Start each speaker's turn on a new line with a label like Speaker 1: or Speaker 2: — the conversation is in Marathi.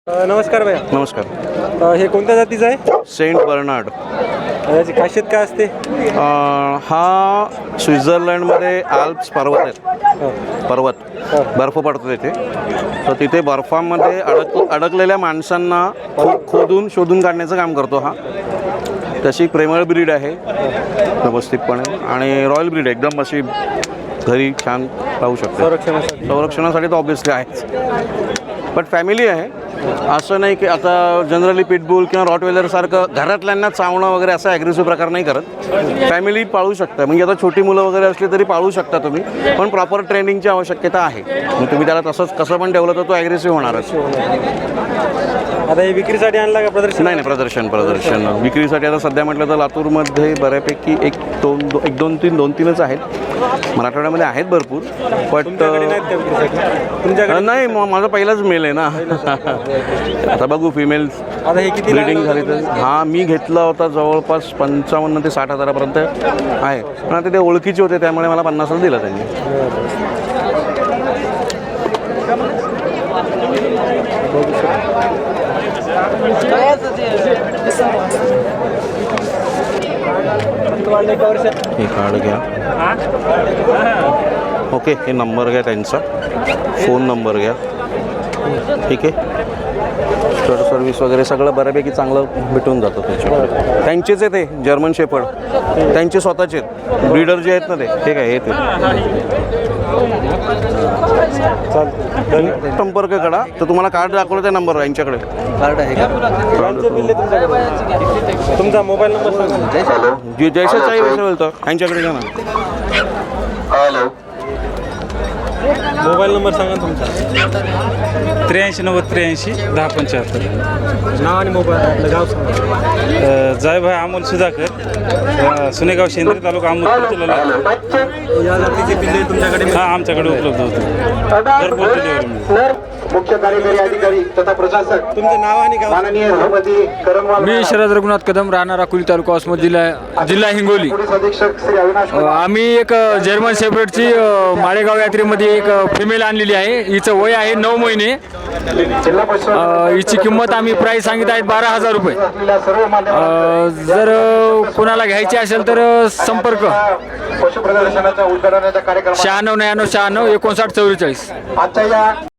Speaker 1: नमस्कार भैया.
Speaker 2: नमस्कार.
Speaker 1: हे कोणत्या जातीचं आहे?
Speaker 2: Saint Bernard.
Speaker 1: याची खासियत काय असते?
Speaker 2: हा स्वित्झर्लंडमध्ये आल्प्स पर्वत आहेत. पर्वत बर्फ पडतो तिथे. तर तिथे बर्फामध्ये अडकलेल्या माणसांना खोदून शोधून काढण्याचं काम करतो हा. तशी प्रेमळ ब्रीड आहे व्यवस्थितपणे आणि रॉयल ब्रीड एकदम अशी घरी छान राहू शकते. संरक्षणासाठी तर ऑब्व्हियसली आहेच, बट फॅमिली आहे. असं नाही की आता जनरली पिटबुल किंवा रॉटवेलरसारखं घरातल्यांना चावणं वगैरे असा ॲग्रेसिव्ह प्रकार नाही करत. फॅमिली पाळू शकता. म्हणजे आता छोटी मुलं वगैरे असली तरी पाळू शकता तुम्ही, पण प्रॉपर ट्रेनिंगची आवश्यकता आहे. मग तुम्ही त्याला तसंच कसं पण ठेवलं तर तो ॲग्रेसिव्ह होणारच.
Speaker 1: आता हे विक्रीसाठी आणला का प्रदर्शन?
Speaker 2: नाही, प्रदर्शन विक्रीसाठी. आता सध्या म्हटलं तर लातूरमध्ये बऱ्यापैकी एक दोन तीनच आहेत. मराठवाड्यामध्ये आहेत भरपूर, बट नाही, माझा पहिलाच मेल आहे ना. आता बघू फिमेल्स
Speaker 1: आता हे किती
Speaker 2: ब्रीडिंग झाली तर. हा मी घेतला होता जवळपास 55 ते 60 हजारापर्यंत आहे, पण आता ते ओळखीचे होते त्यामुळे मला 50ला दिलं त्यांनी. हे कार्ड घ्या. ओके, हे नंबर घ्या त्यांचा, फोन नंबर घ्या. ठीक आहे. स्टड सर्व्हिस वगैरे सगळं बऱ्यापैकी चांगलं भेटून जातं त्याच्याकडे. त्यांचेच आहे ते जर्मन शेफर्ड, त्यांचे स्वतःचे आहेत. ब्रीडर जे आहेत ना ते काय हे ते. संपर्क करा. तर तुम्हाला कार्ड दाखवलं त्या नंबरवर. यांच्याकडे कार्ड आहे का?
Speaker 1: तुमचा मोबाईल नंबर सांगा.
Speaker 2: जयशा चाई वैसे बोलतो, यांच्याकडे घ्या ना.
Speaker 1: मोबाईल नंबर सांगा तुमचा.
Speaker 3: 83 90 83 10 75.
Speaker 1: नाव आणि मोबाईल आपलं गाव सांगा.
Speaker 3: जायभाई अमोल सुधाकर, सुनेगाव शेंद्रे, तालुका अमोल जिल्हा.
Speaker 1: या जातीचे पिल्ले तुमच्याकडे?
Speaker 3: हा, आमच्याकडे उपलब्ध होते. घरपोच डिलिव्हरी.
Speaker 4: मुख्य कार्यकारी अधिकारी तथा प्रशासक
Speaker 1: तुमचं नाव आणि गाव?
Speaker 4: माननीय सभापती करमवाल,
Speaker 5: मी शरद रघुनाथ कदम, राहणार अकोली तालुका वसमत, जिल्हा हिंगोली.
Speaker 4: पोलीस अधीक्षक श्री अविनाश
Speaker 5: आम्ही एक जर्मन शेफर्डची माळेगाव यात्रेमध्ये एक फिमेल आणलेली आहे. हिचं वय आहे 9 महिने.
Speaker 4: जिल्हा परिषद
Speaker 5: हिची किंमत आम्ही प्राईस सांगित आहेत 12,000 रुपये.
Speaker 4: असलेल्या सर्व मान्यवर
Speaker 5: जर कोणाला घ्यायची असेल तर संपर्क
Speaker 4: पशु प्रदर्शनाच्या उद्घाटनाच्या कार्यक्रमात
Speaker 5: 96 99 56 59 44.
Speaker 4: आजच्या या